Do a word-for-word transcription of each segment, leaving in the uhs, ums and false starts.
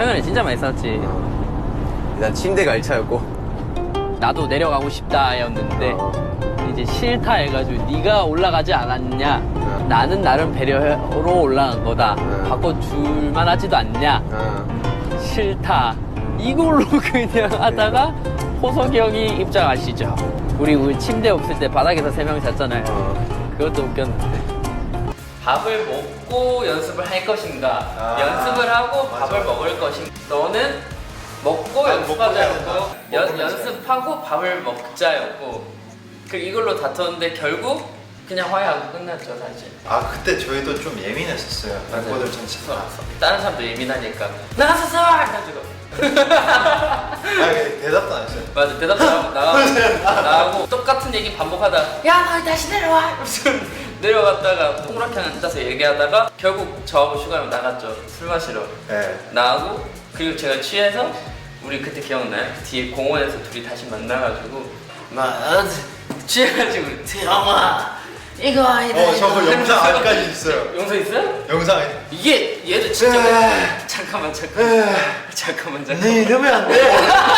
최근에 진짜 많이 싸웠지. 일단 침대가 일 차였고 나도 내려가고 싶다였는데 어. 이제 싫다 해가지고 네가 올라가지 않았냐. 어. 나는 나름 배려로 올라간 거다. 어. 바꿔줄만 하지도 않냐. 어. 싫다. 이걸로 그냥 하다가 호석이 형이 입장하시죠. 우리 우리 침대 없을 때 바닥에서 세 명 잤잖아요. 어. 그것도 웃겼는데. 밥을 먹고 연습을 할 것인가, 아, 연습을 하고 맞아. 밥을 먹을 것인가. 너는 먹고 난 연습하자였고, 먹고 연, 먹고 연습하고 밥을 먹자였고, 그 이걸로 다투었는데 결국 그냥 화해하고 끝났죠 사실. 아 그때 저희도 좀 예민했었어요. 멤버들 전체가. 다른 사람도 예민하니까 나가서 써! 해가지고. 아 대답도 안 했어요. 맞아, 대답 나가고, 나가고, 나가고 똑같은 얘기 반복하다가 야 너 다시 내려와! 이러면서 내려갔다가 동그랗게 앉아서 얘기하다가 결국 저하고 슈가 형 나갔죠. 술 마시러. 네. 나하고 그리고 제가 취해서 우리 그때 기억나요? 뒤에 공원에서 둘이 다시 만나가지고 막 취해가지고 우리 태영아 이거 아니다. 어 저 그 이거. 영상 이러면서 아직까지 있어요. 영상 있어요? 영상에. 이게 얘도 진짜 에이. 잠깐만 잠깐만 잠깐만 잠깐만 네 이러면 안 돼.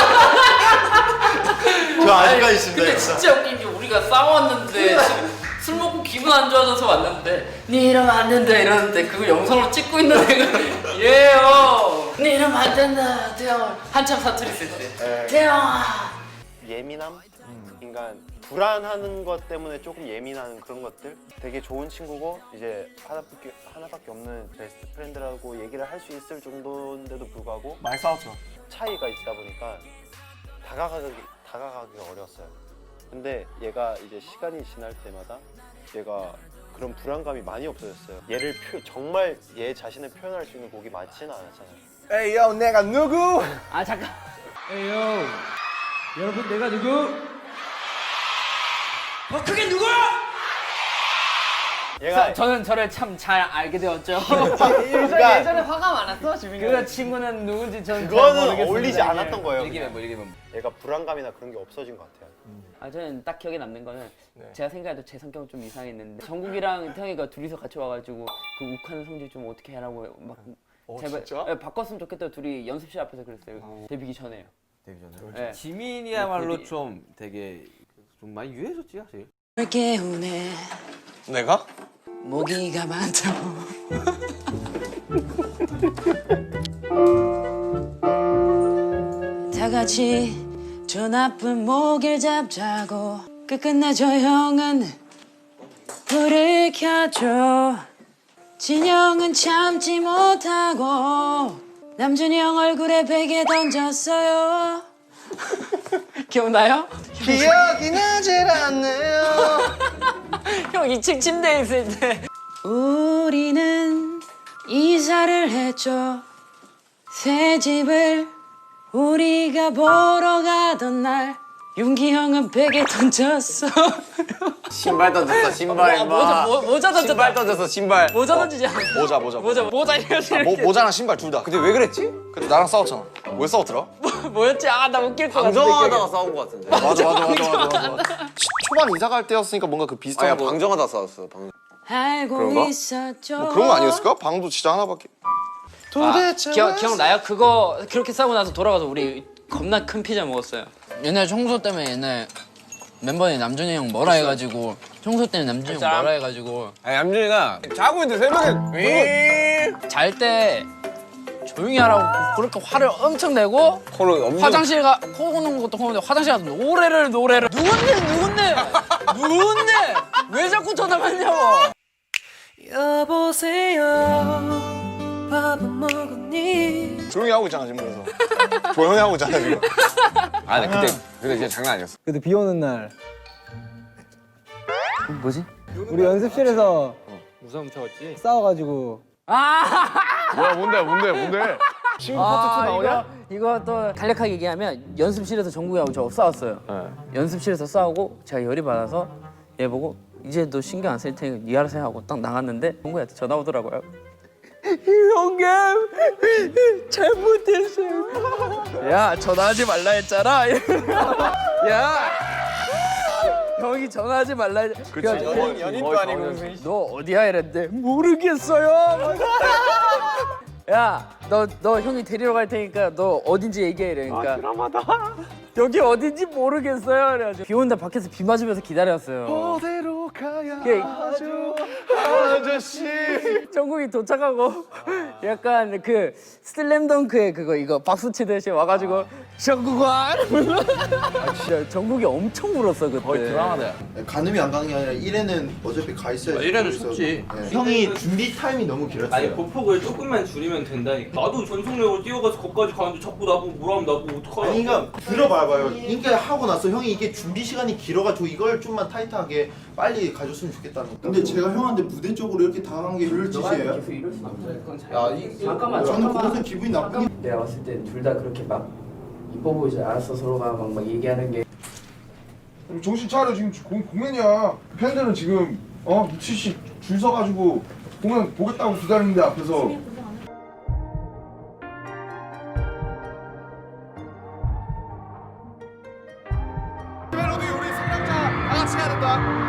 저 아직까지 있습니다. 근데 영상. 진짜 웃긴 게 우리가 싸웠는데 지금 술 먹고 기분 안 좋아져서 왔는데 니 이러면 안 된다 이러는데 그거 영상으로 찍고 있는 애가 얘요 니 이러면 안 된다 태영아 한참 사투리 쓸 때 태영아 예민함? 그러니까 불안하는 것 때문에 조금 예민한 그런 것들 되게 좋은 친구고 이제 하나밖에, 하나밖에 없는 베스트 프렌드라고 얘기를 할 수 있을 정도인데도 불구하고 많이 싸웠죠. 차이가 있다 보니까 다가가기, 다가가기가 어려웠어요. 근데 얘가 이제 시간이 지날 때마다 얘가 그런 불안감이 많이 없어졌어요. 얘를 표, 정말 얘 자신을 표현할 수 있는 곡이 많지는 않았잖아요. 에이 형 내가 누구? 아 잠깐 에이요 여러분 내가 누구? 더 크게 누구야? 얘가 저는 저를 참 잘 알게 되었죠. 그러니까 예전에 화가 많았어 주민이. 그 친구는 누군지 저는 잘 그거는 모르겠습니다. 어울리지 않았던 거예요. 일기면 그냥. 뭐 일기면 얘가 불안감이나 그런 게 없어진 것 같아요. 아 저는 딱 기억에 남는 거는 네. 제가 생각해도 제 성격은 좀 이상했는데 정국이랑 태영이가 둘이서 같이 와가지고 그 욱하는 성질 좀 어떻게 하라고 막 어, 제발 진짜? 예, 바꿨으면 좋겠다 둘이 연습실 앞에서 그랬어요. 어. 데뷔기 전에요. 데뷔 전에. 예. 지민이야말로 데뷔. 좀 되게 좀 많이 유해졌지 사실. 깨우네 내가? 모기가 많다고 다 같이 저 나쁜 모기를 잡자고 끝끝내 저 형은 불을 켜줘 진영은 참지 못하고 남준이 형 얼굴에 베개 던졌어요 기억나요? 기억이 나질 않네요. 형 이 층 침대에 있을 때 우리는 이사를 했죠 새 집을 우리가 보러 가던 날 윤기 형은 베개 던졌어 신발 던졌어 신발 모- 모자, 모- 모자 던졌다. 신발 던졌어 신발. 모자 던지지 않아 모자 모자 모자 모자 이렇게 모, 모자랑 신발 둘 다. 근데 왜 그랬지? 근데 나랑 싸웠잖아. 왜 싸웠더라? 뭐였지? 아 나 웃길 것 같은데 방정하다가 싸운 것 같은데. 맞아 맞아 맞아 맞아 맞아. 시- 초반 이사 갈 때였으니까 뭔가 그 비슷한 아야 거. 방정하다 싸웠어. 방. 알고 그런가? 있었죠 뭐 그런 거 아니었을까? 방도 진짜 하나밖에. 도대체 아, 기억 왜 기억나요? 그거 그렇게 싸고 나서 돌아가서 우리 겁나 큰 피자 먹었어요. 옛날 청소 때문에 옛날 멤버들이 남준이 형 뭐라 해가지고 청소 때문에 남준이 형 뭐라 해가지고 아니 남준이가 자고 있는데 새벽에 잘 때 조용히 하라고 그렇게 화를 엄청 내고 코를 엄청. 화장실 가, 코 고는 것도 코는데 화장실 가서 노래를 노래를 누군데 누군데 누군데 왜 자꾸 전화받냐고. 여보세요 밥은 먹었니 조용히 하고 있잖아 지금 그래서. 조용히 하고 있잖아 지금. 아 근데 그때 그때 진짜 장난 아니었어. 그때 비 오는 날 뭐지? 우리 연습실에서 무서움 쳐왔지. 싸워가지고 뭐야 뭔데 뭔데 뭔데? 친구 파트 투 나오냐? 이거, 이거 또 간략하게 얘기하면 연습실에서 정국이하고 저 싸웠어요. 연습실에서 싸우고 제가 열이 받아서 얘 보고 이제 너 신경 안 쓸 테니까 니 알아서 해 하고 딱 나갔는데 정국이한테 전화 오더라고요. 형님 잘못했어요. 야 전화하지 말라 했잖아. 야 형이 전화하지 말라 했. 그치. 연인, 연인도 아니고 무슨. 너 어디야 이랬는데 모르겠어요. 야 너 너 형이 데리러 갈 테니까 너 어딘지 얘기해 이러니까. 아 드라마다. 여기 어딘지 모르겠어요. 그래가지고 비 온다 밖에서 비 맞으면서 기다렸어요. 어디로 가야 예. 하죠 아저씨. 정국이 도착하고 약간 그 슬램덩크의 그거 이거 박수 치듯이 와가지고 정국아 이러면서 아, 진짜 정국이 엄청 울었어 그때. 거의 드라마다. 가늠이 안 가는 게 아니라 일회는 어차피 가 있어야 돼. 일회는 섰지. 형이 준비 타임이 너무 길었어요. 아니 보폭을 조금만 줄이면 된다니까. 나도 전속력으로 뛰어가서 거기까지 가는데 자꾸 나보고 뭐라면 나보고 어떡하냐. 아니 그러니까 들어봐봐요. 그러니까 하고 나서 형이 이게 준비 시간이 길어가지고 이걸 좀만 타이트하게 빨리 가줬으면 좋겠다는. 근데 제가 형한테 무대 쪽으로 이렇게 당한 게 별로 짓이에요. 계속 이럴 순 없어요. 그건 잘. 야, 이, 잠깐만 저는 잠깐만. 그것은 기분이 나쁘게. 내가 봤을 때 둘 다 그렇게 막 이뻐 보이지 않았어. 서로가 막, 막 얘기하는 게. 정신 차려 지금 공, 공연이야. 팬들은 지금 어 미치씨 줄 서가지고 공연 보겠다고 기다리는데 앞에서. 멜로디 우리 성장자 다 같이 해야 된다.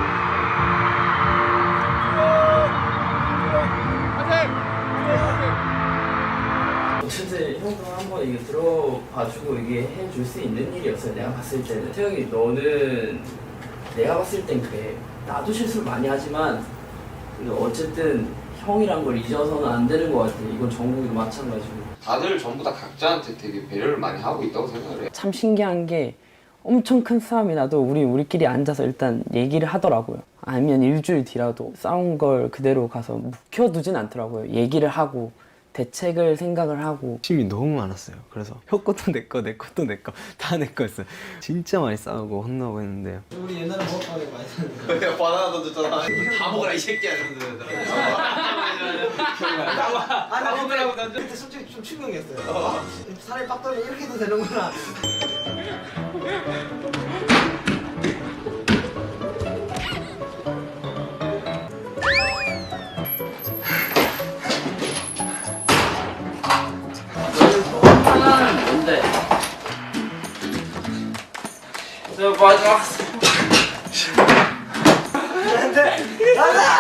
어쨌든 형도 한번 이게 들어봐주고 이게 해줄 수 있는 일이었어요. 내가 봤을 때는. 태영이 너는 내가 봤을 땐 그래. 나도 실수를 많이 하지만 근데 어쨌든 형이란 걸 잊어서는 안 되는 것 같아. 이건 정국이도 마찬가지고. 다들 전부 다 각자한테 되게 배려를 많이 하고 있다고 생각을 해. 참 신기한 게 엄청 큰 싸움이 나도 우리 우리끼리 앉아서 일단 얘기를 하더라고요. 아니면 일주일 뒤라도 싸운 걸 그대로 가서 묵혀두진 않더라고요. 얘기를 하고 대책을 생각을 하고. 욕심이 너무 많았어요. 그래서 형 것도 내 거, 내 것도 내 거, 다 내 거였어요. 진짜 많이 싸우고 혼나고 했는데요. 우리 옛날에 먹었다고 많이 사는 거. 바나나 던졌잖아. 다 먹어라 이 새끼야. 아 먹으라고 난 그때 솔직히 좀 충격이었어요. 살이 빡 떨면 이렇게도 되는구나. 하나는 뭔데? 저 마지막. 안돼. 안돼.